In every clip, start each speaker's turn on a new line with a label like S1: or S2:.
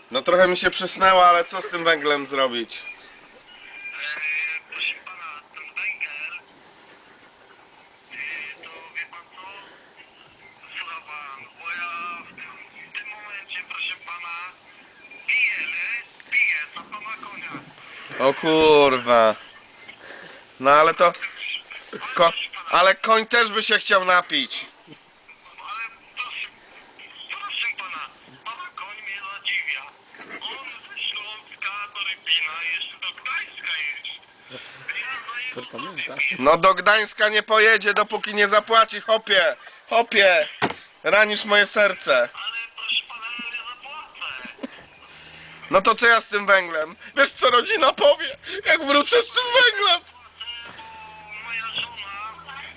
S1: No trochę mi się przysnęło, ale co z tym węglem zrobić?
S2: Proszę pana, ten węgiel, to wie pan co? Słucha pan, bo ja w tym momencie, proszę pana, piję za pana konia.
S1: O kurwa. No ale to... Ale koń też by się chciał napić.
S2: Ale proszę pana, pana koń mnie zadziwia. On ze Śląska do Rybina, jeszcze do Gdańska jeździ. Ja za jego
S1: No do Gdańska nie pojedzie, dopóki nie zapłaci, hopie. Hopie. Ranisz moje serce.
S2: ale proszę pana, ja nie zapłacę.
S1: No to co ja z tym węglem? Wiesz co rodzina powie, jak wrócę z tym węglem?
S2: Moja żona...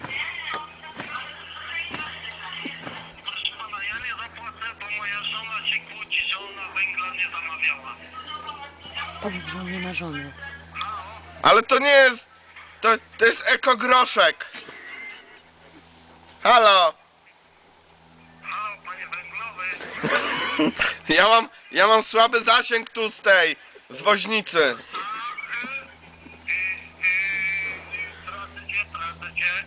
S2: Proszę pana, ja nie zapłacę, bo moja żona się kłóci, że ona węgla nie zamawiała.
S3: Powiedz, że on nie ma żony.
S1: Ale to nie jest... To jest ekogroszek. Halo.
S2: Halo, panie węglowy.
S1: Ja mam słaby zasięg tu z tej, z woźnicy.
S2: Tracę cię.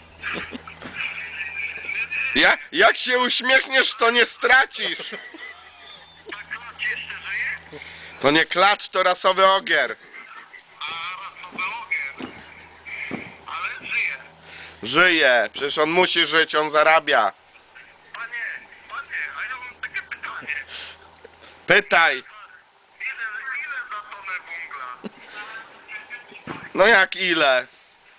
S1: Jak się uśmiechniesz, to nie stracisz.
S2: Tak klacz jeszcze żyje?
S1: To nie klacz, to rasowy ogier.
S2: A rasowy ogier. Ale żyje.
S1: Żyje, przecież on musi żyć, on zarabia.
S2: Panie, a ja mam takie pytanie.
S1: Pytaj.
S2: Ile za tonę węgla?
S1: No jak ile?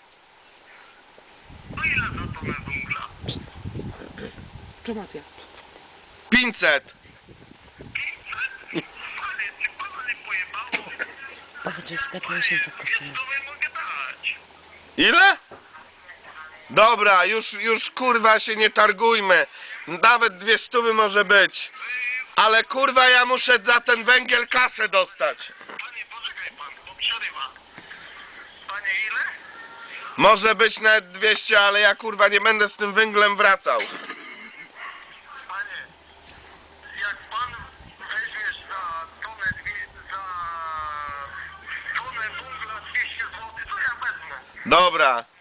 S2: No ile za tonę węgla?
S3: Promocja.
S1: 500.
S2: Panie, czy pana nie pojebało?
S3: Powiedz, że w sklepie 800 kosztuje.
S2: To nie mogę dać.
S1: Ile? Dobra, już kurwa się nie targujmy. Nawet 200 może być. Ale kurwa ja muszę za ten węgiel kasę dostać.
S2: Panie, poczekaj pan, bo przerywa. Panie, ile?
S1: Może być nawet 200, ale ja kurwa nie będę z tym węglem wracał.
S2: Panie, jak pan weźmiesz za tonę węgla 200 zł, to ja wezmę.
S1: Dobra.